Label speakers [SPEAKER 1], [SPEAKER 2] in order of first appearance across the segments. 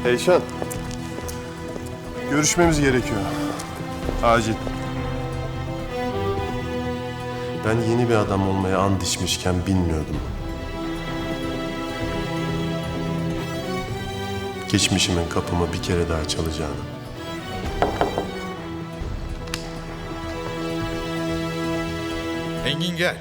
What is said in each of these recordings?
[SPEAKER 1] Eyşan. Görüşmemiz gerekiyor. Acil. Ben yeni bir adam olmaya and içmişken bilmiyordum. Geçmişimin kapımı bir kere daha çalacağını.
[SPEAKER 2] Engin gel.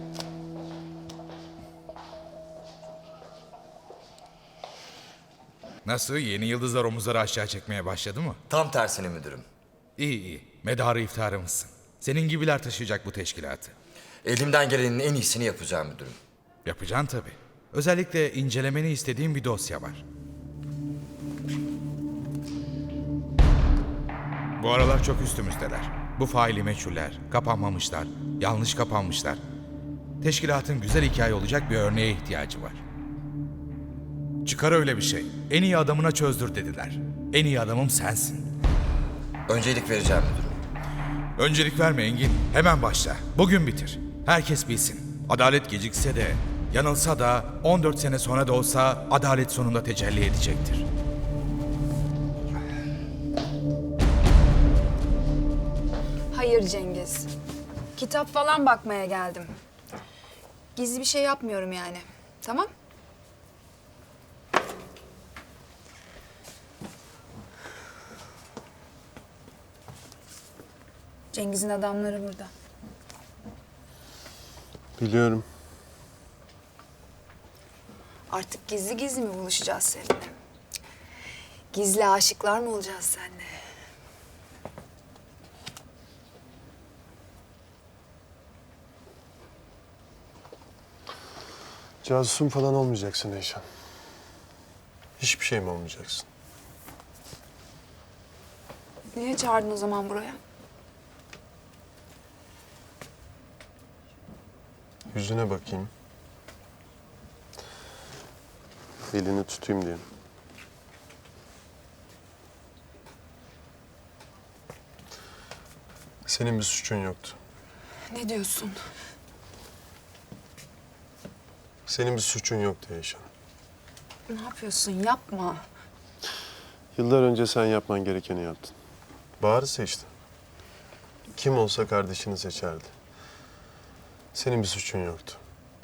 [SPEAKER 2] Nasıl? Yeni yıldızlar omuzları aşağı çekmeye başladı mı?
[SPEAKER 3] Tam tersine müdürüm.
[SPEAKER 2] İyi iyi. Medarı iftiharımızsın. Senin gibiler taşıyacak bu teşkilatı.
[SPEAKER 3] Elimden gelenin en iyisini yapacağım müdürüm.
[SPEAKER 2] Yapacaksın tabii. Özellikle incelemeni istediğim bir dosya var. Bu aralar çok üstümüzdeler. Bu faili meçhuller, kapanmamışlar, yanlış kapanmışlar. Teşkilatın güzel hikaye olacak bir örneğe ihtiyacı var. Çıkar öyle bir şey. En iyi adamına çözdür dediler. En iyi adamım sensin.
[SPEAKER 3] Öncelik vereceğim müdürüm.
[SPEAKER 2] Öncelik verme Engin. Hemen başla. Bugün bitir. Herkes bilsin. Adalet gecikse de, yanılsa da 14 sene sonra da olsa adalet sonunda tecelli edecektir.
[SPEAKER 4] Hayır Cengiz. Kitap falan bakmaya geldim. Gizli bir şey yapmıyorum yani. Tamam? Cengiz'in adamları burada.
[SPEAKER 1] Biliyorum.
[SPEAKER 4] Artık gizli gizli mi buluşacağız seninle? Gizli aşıklar mı olacağız seninle?
[SPEAKER 1] Casusun falan olmayacaksın Eyşan. Hiçbir şey mi olmayacaksın?
[SPEAKER 4] Niye çağırdın o zaman buraya?
[SPEAKER 1] Yüzüne bakayım. Elini tutayım diye. Senin bir suçun yoktu.
[SPEAKER 4] Ne diyorsun?
[SPEAKER 1] Senin bir suçun yoktu Eyşan.
[SPEAKER 4] Ne yapıyorsun? Yapma.
[SPEAKER 1] Yıllar önce sen yapman gerekeni yaptın. Bahar'ı seçtin. Kim olsa kardeşini seçerdi. Senin bir suçun yoktu.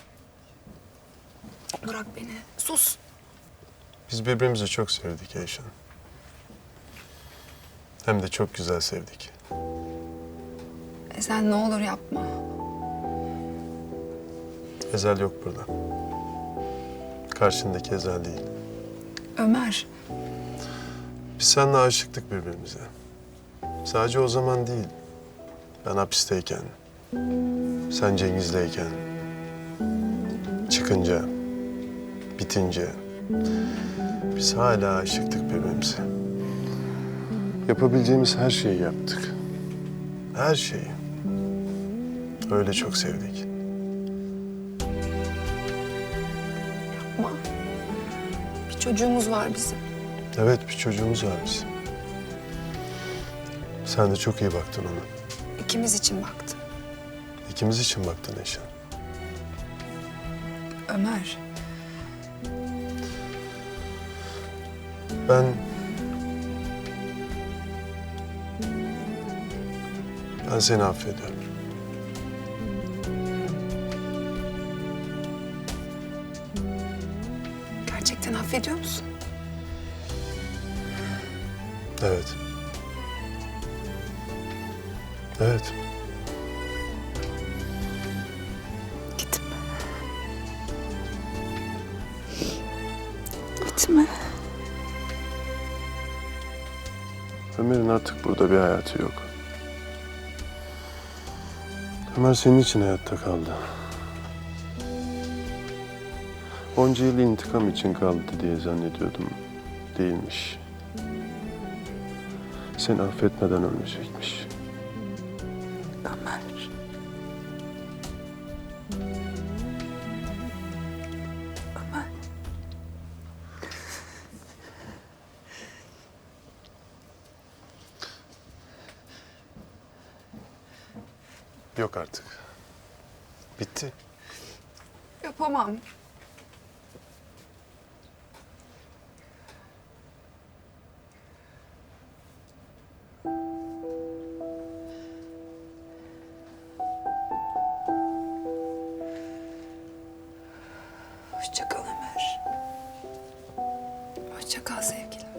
[SPEAKER 4] Bırak beni. Sus.
[SPEAKER 1] Biz birbirimizi çok sevdik Eyşan. Hem de çok güzel sevdik.
[SPEAKER 4] Sen ne olur yapma.
[SPEAKER 1] Ezel yok burada. Karşındaki Ezel değil.
[SPEAKER 4] Ömer.
[SPEAKER 1] Biz seninle aşıktık birbirimize. Sadece o zaman değil. Ben hapisteyken, sen Cengiz'leyken, çıkınca, bitince biz hala aşıktık birbirimize. Yapabileceğimiz her şeyi yaptık. Her şeyi. Öyle çok sevdik.
[SPEAKER 4] Yapma. Bir çocuğumuz var bizim.
[SPEAKER 1] Evet, bir çocuğumuz var bizim. Sen de çok iyi baktın ona.
[SPEAKER 4] İkimiz için baktım.
[SPEAKER 1] İkimiz için baktın Eyşan.
[SPEAKER 4] Ömer.
[SPEAKER 1] Ben seni affediyorum.
[SPEAKER 4] Gerçekten affediyor musun?
[SPEAKER 1] Evet. Evet.
[SPEAKER 4] Gitme. Gitme.
[SPEAKER 1] Ömer'in artık burada bir hayatı yok. Ömer senin için hayatta kaldı. Onca yıl intikam için kaldı diye zannediyordum. Değilmiş. Seni affetmeden ölmeyecekmiş.
[SPEAKER 4] Ömer. Ömer.
[SPEAKER 1] Yok artık. Bitti.
[SPEAKER 4] Yapamam. Hoşça kal Ömer. Hoşça kal sevgilim.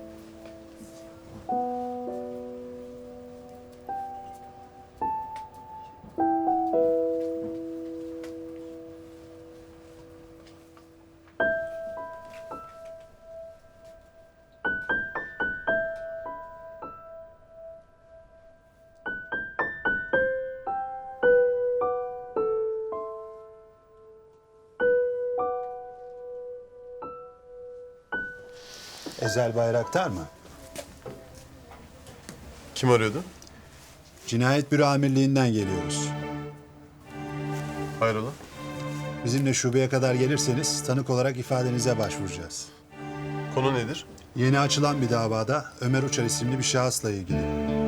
[SPEAKER 5] Ezel Bayraktar mı?
[SPEAKER 1] Kim arıyordu?
[SPEAKER 5] Cinayet Büro Amirliği'nden geliyoruz.
[SPEAKER 1] Hayrola?
[SPEAKER 5] Bizimle şubeye kadar gelirseniz tanık olarak ifadenize başvuracağız.
[SPEAKER 1] Konu nedir?
[SPEAKER 5] Yeni açılan bir davada Ömer Uçar isimli bir şahısla ilgili.